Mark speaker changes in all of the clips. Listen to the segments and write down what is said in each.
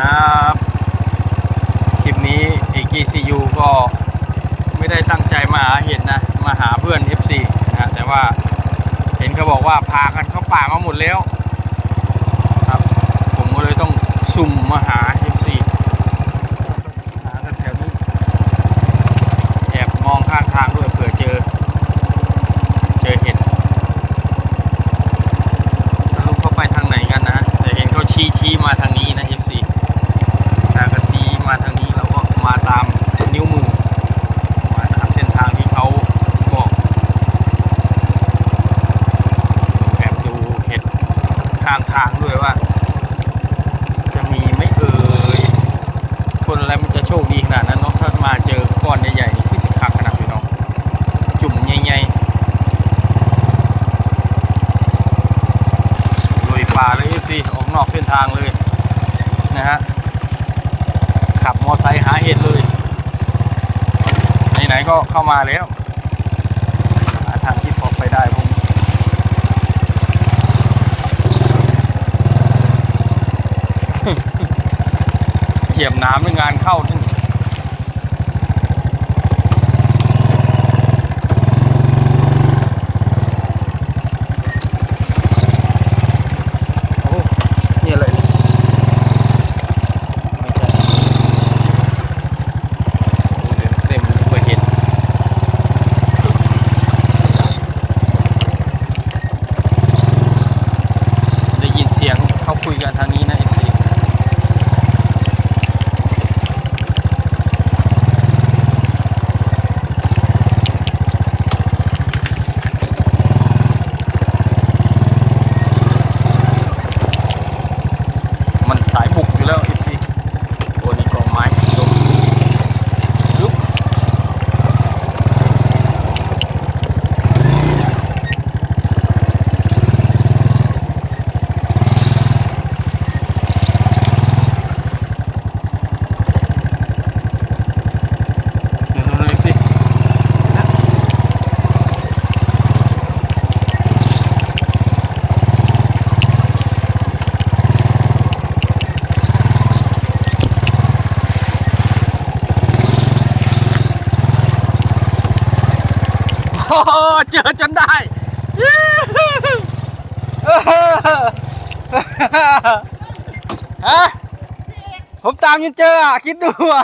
Speaker 1: ครับคลิปนี้ AGCU ก็ไม่ได้ตั้งใจมาหาเห็ดนะมาหาเพื่อน FC นะแต่ว่าเห็นเขาบอกว่าพากันเข้าป่ามาหมดแล้วครับผมก็เลยต้องสุ่มมาหา FC หาแถวนี้แอบมองข้างทางด้วยเผื่อเจอเห็ดแล้วลูกเขาไปทางไหนกันนะแต่เห็นเขาชี้มาทางนี้นะ FC ถ้าก็ชี้มาทางนี้เราก็มาตามนิ้วมือมาตามเส้นทางที่เขาบอกแอบดูเห็ดข้างทางด้วยว่าจะมีไม่เอ่ยคนอะไรมันจะโชคดีขนาดนั้นเนาะถ้ามาเจอก้อนใหญ่ๆนี่คือสิคักขนาดพี่น้องจุ่มใหญ่ๆลุยป่าเลยสิออกนอกเส้นทางเลยนะฮะขับมอไซค์หาเห็ดเลยไหนๆก็เข้ามาแล้วหาทางที่พอไปได้ผมเหยียบน้ำในงานเข้าที่โอ้นี่อะไรคุยกันทางนี้นะเอฟซีมันสายบุกอยู่แล้วเอฟซีโอ้นี่กองไม้ลงลุกเจอจนได้ฮะผมตามจนเจออ่ะคิดดูอ่ะ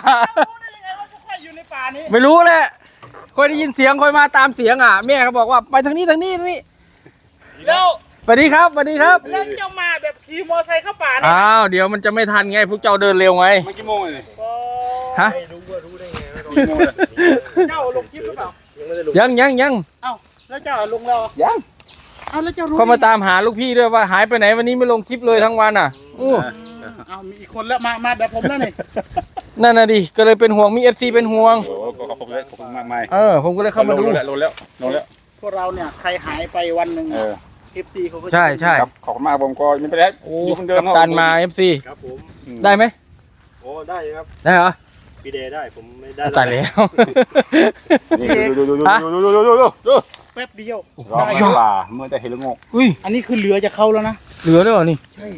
Speaker 1: ไม่รู้แหละคอยได้ยินเสียงคอยมาตามเสียงอ่ะแม่เขาบอกว่าไปทางนี้แล้วสวัสดีครับแล้วเจ้ามาแบบขี่มอไซค์เข้าป่าอ้าวเดี๋ยวมันจะไม่ทันไงพวกเจ้าเดินเร็วไงไม่กี่โมงเลยฮะรู้ได้ไงเจ้าลงคลิปหรือเปล่ายังเอ้าแล้วเจ้าลงแล้วยังเอาแล้วเจ้ารู้เขามาตามหาลูกพี่ด้วยว่าหายไปไหนวันนี้ไม่ลงคลิปเลยทั้งวันอ่ะเอามีอีกคนแล้วมาแบบผมแล้วนี่นั่นน่ะดิก็เลยเป็นห่วงมี FC เป็นห่วงขอบคุณมากมายผมก็เลยเข้ามาดูลงแล้วพวกเราเนี่ยใครหายไปวันหนึ่งFC เขาก็ใช่ขอบคุณมากผมก็ยังไม่ได้กัปตันมา FC ครับผมได้ไหมโอ้ได้ครับได้เหรอพี่เดย์ได้ผมไม่ได้ตายแล้วนี่ดูแป๊บเดียวรอมาป่าเมื่อจะเห็นแล้วงงอุ้ยอันนี้คือเหลือจะเข้าแล้วนะเหลือแล้วเหรอนี่ใช่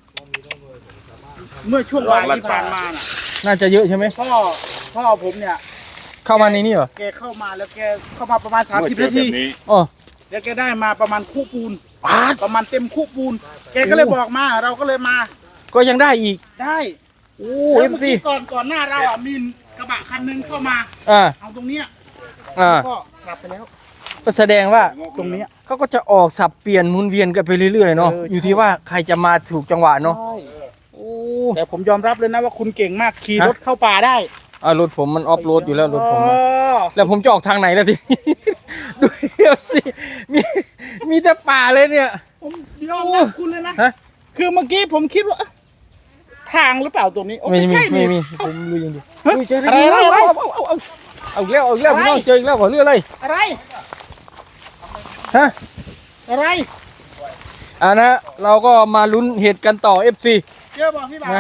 Speaker 1: เมื่อช่วงบ่ายที่ผ่านมาน่ะน่าจะเยอะใช่ไหมพ่อผมเนี่ยเข้ามาในนี่เหรอแกเข้ามาแล้วแกเข้ามาประมาณ30 นาทีอ๋อแล้วแกได้มาประมาณคู่ปูนประมาณเต็มคู่ปูนแกก็เลยบอกมาเราก็เลยมาก็ยังได้อีกได้โอ้เอ็มซีก่อนหน้าเราอ่ะมีกระบะคันนึงเข้ามาเอาตรงเนี้ยก็กลับไปแล้วก็แสดงว่าตรงนี้เขาก็จะออกสับเปลี่ยนหมุนเวียนกันไปเรื่อยๆเนาะอยู่ที่ว่าใครจะมาถูกจังหวะเนาะโอ้แต่ผมยอมรับเลยนะว่าคุณเก่งมากขี่รถเข้าป่าได้รถผมมันออฟโรดอยู่แล้วรถผมแล้วผมจะออกทางไหนแล้วทีนี้ดูสิมีแต่ป่าเลยเนี่ยผมยอมรับคุณเลยนะคือเมื่อกี้ผมคิดว่าทางหรือเปล่าตรงนี้ไม่มีผมรู้ยังดีอะไรเอาแล้วพี่น้องเจออีกแล้วเรื่องอะไรฮะอะไรนะเราก็มาลุ้นเหตุกันต่อ FC เจอบอกพี่บ่าว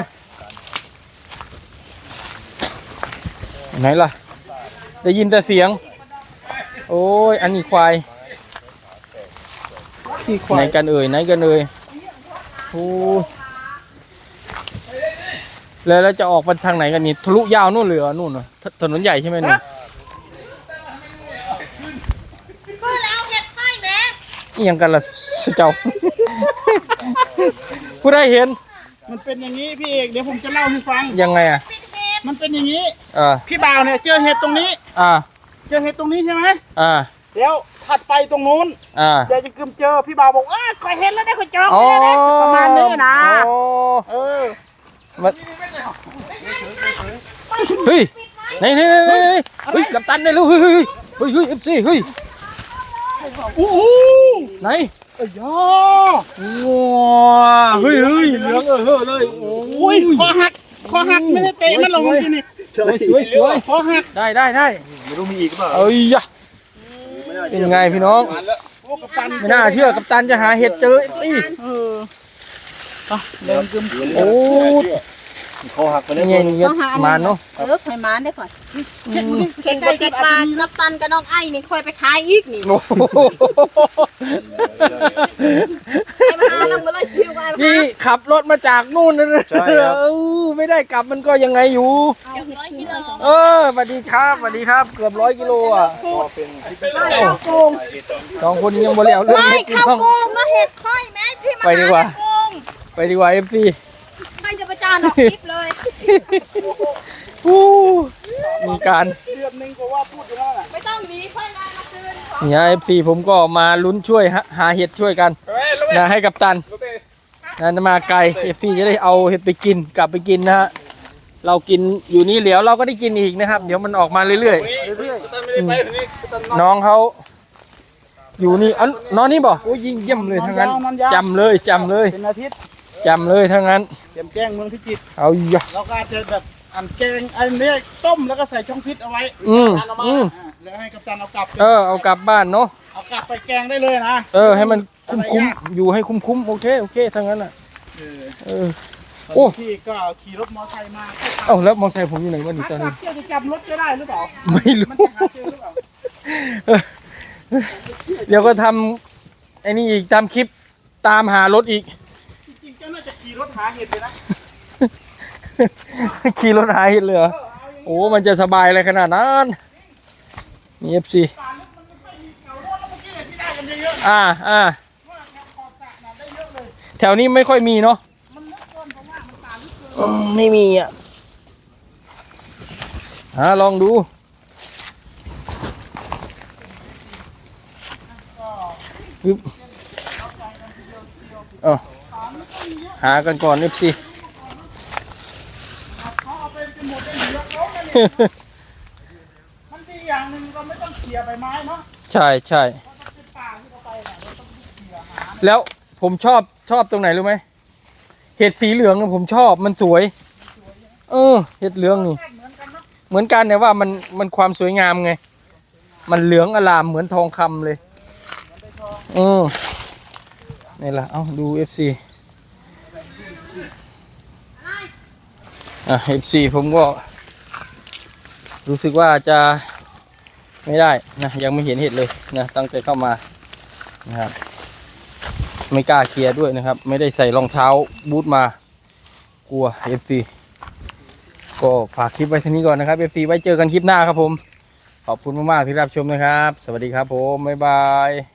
Speaker 1: ไหนล่ะได้ยินแต่เสียงโอ้ยอันนี้ควายไหนกันเอ่ยโอ้
Speaker 2: แล้วจะออกไปทางไหนกันนี่ทะลุยาวนู่นเลยเหรอนู่นเหรอถนนใหญ่ใช่ไหมนู่น
Speaker 3: คือแล้วเห็ดไข่แม่
Speaker 2: นี่ยังกันละเจ้า ผู้ได้เห็น
Speaker 1: มันเป็นอย่างนี้พี่เอกเดี๋ยวผมจะเล่าให้ฟัง
Speaker 2: ยังไงอ่ะ
Speaker 3: ปิดเห็ด
Speaker 1: มันเป็นอย่างนี้
Speaker 2: อ่า
Speaker 1: พี่บ่าวเนี่ยเจอเห็ดตรงนี้
Speaker 2: อ่า
Speaker 1: เจอเห็ดตรงนี้ใช่ไหม
Speaker 2: อ่า
Speaker 1: เดี๋ยวถัดไปตรงนู้น
Speaker 2: อ่า
Speaker 1: เดี๋ยวจะกึมเจอพี่บ่าวบอกขอยเห็นแล้วได้ขอยเจอแล้วนะประมาณนี้นะ
Speaker 2: โอ้
Speaker 1: เออ
Speaker 2: มันเฮ้ยไหนเฮ้ยกัปตันได้แล้วเฮ้ยเอฟซีเฮ้ย
Speaker 1: โอ้โห
Speaker 2: ไหน
Speaker 1: เอ้ยย่อ
Speaker 2: ว้าเฮ้ยเหลืองเลยโอ้
Speaker 1: โอ้ยคอหักไม่ได้เตะมันลงจริงนี่
Speaker 2: สวย
Speaker 1: คอหัก
Speaker 2: ได้ไม่รู้มีอีกเปล่าเอ้ยยะเป็นไงพี่น้อง
Speaker 1: โอ้กัปตัน
Speaker 2: ไม่น่าเชื่อกัปตันจะหาเห็ดเจอสิ
Speaker 1: เออเดินกึม
Speaker 2: โอ้คอหักไปเลยนี่มาเนาะ
Speaker 3: เคยมาได้ก่อนเห็ดบดเห็ดปลานับตันกับน้องไอ้นี่ค่อยไปขายอีกนี่
Speaker 2: โอ้โห
Speaker 3: ไอ้มาลงมาเลยคิวไอ้มา
Speaker 2: นี่ขับรถมาจากนู่นนะไม่ได้กลับมันก็ยังไงอยู่
Speaker 3: 100 กิโล
Speaker 2: สวัสดีครับเกือบ100 กิโลอ่ะ
Speaker 3: ข้าวโกง
Speaker 2: สองคนยังบ่แล้วเรื่อง
Speaker 3: ไม่
Speaker 2: เห็ด
Speaker 3: ข้าว
Speaker 2: ต้อง
Speaker 3: โกงนะเห็ดค่อยแม่พี่มา
Speaker 2: ไปดีกว่า
Speaker 3: ข้าวโกง
Speaker 2: ไปดีกว่าเอฟซี
Speaker 3: ใครจะประจานออกคลิปเลย
Speaker 2: มีการ
Speaker 1: เดือนนึงก็ว่าพูดอยู่แล้วน่ะ
Speaker 3: ไม่ต้องหนีค่อยมาคืน
Speaker 2: เนี่ยเอฟซีผมก็มาลุ้นช่วยหาเห็ดช่วยกันนะให้กับตันนะมาไกลเอฟซีจะได้เอาเห็ดไปกินกลับไปกินนะฮะเรากินอยู่นี่เหลียวเราก็ได้กินอีกนะครับ เดี๋ยวมันออกมาเรื่อยๆน้องเขาอยู่นี่น้องนี่บอกโอ้ยิงเยี่ยมเลยทั้งนั้นจำเลย
Speaker 1: เป็นอาทิตย์
Speaker 2: จำเลยทั้งนั้น
Speaker 1: เตรียมแจ้งเมืองพิจิตร
Speaker 2: เอาอย่า
Speaker 1: เราก็อาจจะแบบอันแกงอันนี้ต้มแล้วก็ใส่ช่องฟิตเอาไว้ แล้วให้กัปตันเอากลับ
Speaker 2: เอากลับบ้านเนาะ
Speaker 1: เอากลับไปแกงได้เลยนะ
Speaker 2: ให้มันคุ้มอยู่ให้คุ้มโอเคทั้งนั้นอ่ะโอ้
Speaker 1: พี่ก็ขี่รถมอเตอร์ไซค์มา
Speaker 2: แล้วมอเตอร์ไซค์ผมอยู่ไหนวะนี่ตอนนี้
Speaker 1: เที่ยวจะจำรถจะได้หรือเปล่า
Speaker 2: ไม่รู้
Speaker 1: มันจะหาเจอหรือเปล่า
Speaker 2: เดี๋ยวก็ทำไอ้นี่อีกตามคลิปตามหารถอีก
Speaker 1: จริงๆเจ้าน่าจะขี่รถหาเห็ดเลยนะ
Speaker 2: ขี่รถหาเห็ดเลยเหรอโอ้มันจะสบายอะไรขนาดนั้นนี่เอฟซี
Speaker 1: ป่านลึกมันไม่ค่อยมีเขารถแล้วเมื่อกี้เนี่ยที่ได้กันเยอะๆว่าแถวขอบสระน่ะได้เยอะเลย
Speaker 2: แถวนี้ไม่ค่อยมีเนาะ
Speaker 1: มันลึกเกินผมว่ามันป่าลึกเกิน
Speaker 2: ไม่มีอ่ะลองดูปึ๊บหากันก่อนเอฟซี
Speaker 1: เขาเอาไปจนหมดได้เหลือเขาเนี่ยมันดีอย่างหนึ่งเราไม่ต้องเขี่ยใบไม้เนาะ
Speaker 2: ใช่
Speaker 1: เป็นป่าที่เราไปน่ะเราต้องเขี่ยหา
Speaker 2: แล้วผมชอบตรงไหนรู้ไหมเห็ดสีเหลืองน่ะผมชอบมันสวย เห็ดเหลืองนี่
Speaker 1: เหมือนกันเนาะ
Speaker 2: เหมือนกันเนี่ยว่ามันความสวยงามไง มันเหลืองอลามเหมือนทองคำเลยนี่แหละเอาดู FC FC ผมก็รู้สึกว่าจะไม่ได้นะยังไม่เห็นเห็ดเลยนะตั้งแต่เข้ามานะครับไม่กล้าเคลียร์ด้วยนะครับ ไม่ได้ใส่รองเท้าบูทมากลัว FC ก็ฝากคลิปไว้เท่านี้ก่อนนะครับ FC ไว้เจอกันคลิปหน้าครับผมขอบคุณมากๆที่รับชมนะครับสวัสดีครับผมบ๊ายบาย